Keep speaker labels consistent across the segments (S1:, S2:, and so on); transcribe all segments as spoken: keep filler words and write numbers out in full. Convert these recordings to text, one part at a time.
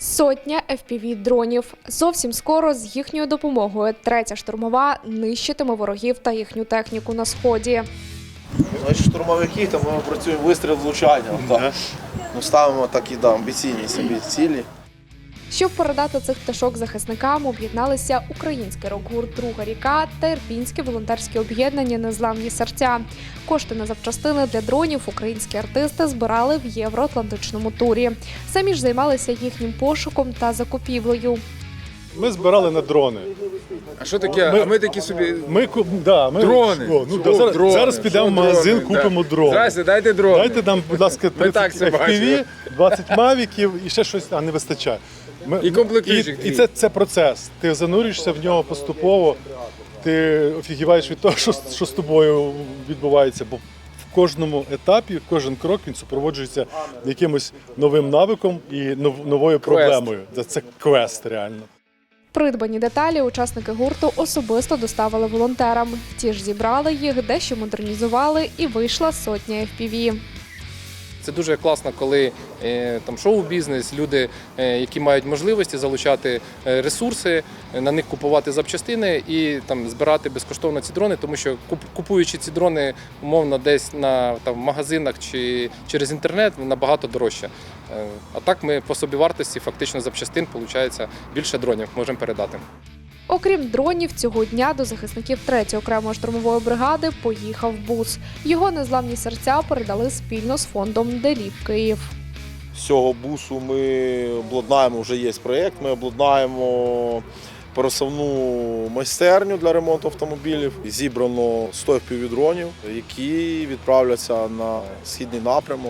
S1: Сотня еф пі ві-дронів. Зовсім скоро з їхньою допомогою третя штурмова нищитиме ворогів та їхню техніку на Сході.
S2: Значить, штурмовики, там ми працюємо вистріл влучання. Так. Ми ставимо такі да, амбіційні собі цілі.
S1: Щоб передати цих пташок захисникам, об'єдналися український рок-гурт «Друга ріка» та ірпінське волонтерське об'єднання «Незламні серця». Кошти на запчастини для дронів українські артисти збирали в євроатлантичному турі. Самі ж займалися їхнім пошуком та закупівлею.
S3: Ми збирали на дрони.
S4: А що таке?
S3: Ми-
S4: а ми такі собі
S3: Ми, ку- да, ми,
S4: дрони.
S3: О, ну,
S4: Що
S3: да, зараз,
S4: дрони?
S3: зараз підемо в
S4: Що
S3: магазин,
S4: дрони?
S3: купимо
S4: Да.
S3: дрони.
S4: Здрасте, дайте дрони.
S3: Дайте нам, будь ласка,
S4: Ми так
S3: тридцять
S4: це
S3: еф пі ві,
S4: бачили.
S3: двадцять мавіків і ще щось, а не вистачає. Ми,
S4: І комплектуючих
S3: І, і
S4: дві.
S3: це, це процес. Ти занурюєшся в нього поступово, ти офігіваєш від того, що, що з тобою відбувається. Бо в кожному етапі, кожен крок він супроводжується якимось новим навиком і нов- новою проблемою. Це, це квест реально.
S1: Придбані деталі учасники гурту особисто доставили волонтерам. Ті ж зібрали їх, дещо модернізували і вийшла сотня еф пі ві.
S5: Це дуже класно, коли е, там шоу-бізнес, люди, е, які мають можливості залучати е, ресурси, е, на них купувати запчастини і там збирати безкоштовно ці дрони, тому що куп- купуючи ці дрони умовно десь на там, магазинах чи через інтернет, набагато дорожче. Е, а так ми по собівартості фактично запчастин, виходить, більше дронів можемо передати.
S1: Окрім дронів, цього дня до захисників третьої окремої штурмової бригади поїхав бус. Його незламні серця передали спільно з фондом «Деліп Київ».
S2: З цього бусу ми обладнаємо, вже є проєкт, ми обладнаємо пересувну майстерню для ремонту автомобілів. Зібрано сто еф пі ві-дронів, які відправляться на східний напрямок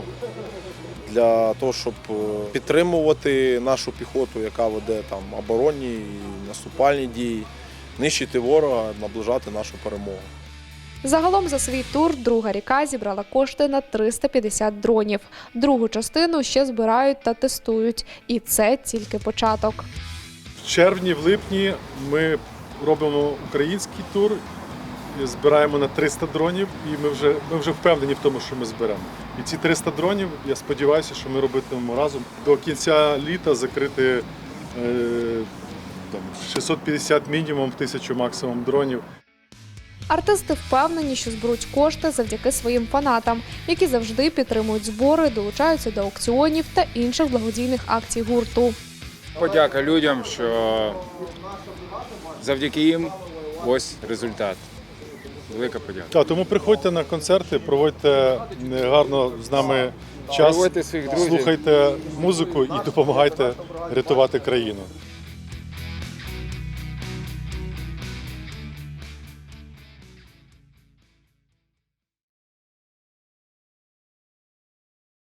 S2: для того, щоб підтримувати нашу піхоту, яка веде там оборонні і наступальні дії, нищити ворога, наближати нашу перемогу.
S1: Загалом за свій тур «Друга ріка» зібрала кошти на триста п'ятдесят дронів. Другу частину ще збирають та тестують. І це тільки початок.
S3: В червні, в липні ми робимо український тур, і збираємо на триста дронів, і ми вже, ми вже впевнені в тому, що ми зберемо. І ці триста дронів, я сподіваюся, що ми робитимемо разом. До кінця літа закрити е, там, шістсот п'ятдесят мінімум, тисячу максимум дронів.
S1: Артисти впевнені, що зберуть кошти завдяки своїм фанатам, які завжди підтримують збори, долучаються до аукціонів та інших благодійних акцій гурту.
S4: Подяка людям, що завдяки їм ось результат. Велика подяка.
S3: Так, тому приходьте на концерти, проводьте гарно з нами час,
S4: Проводьте своїх друзів.
S3: слухайте музику і допомагайте рятувати країну.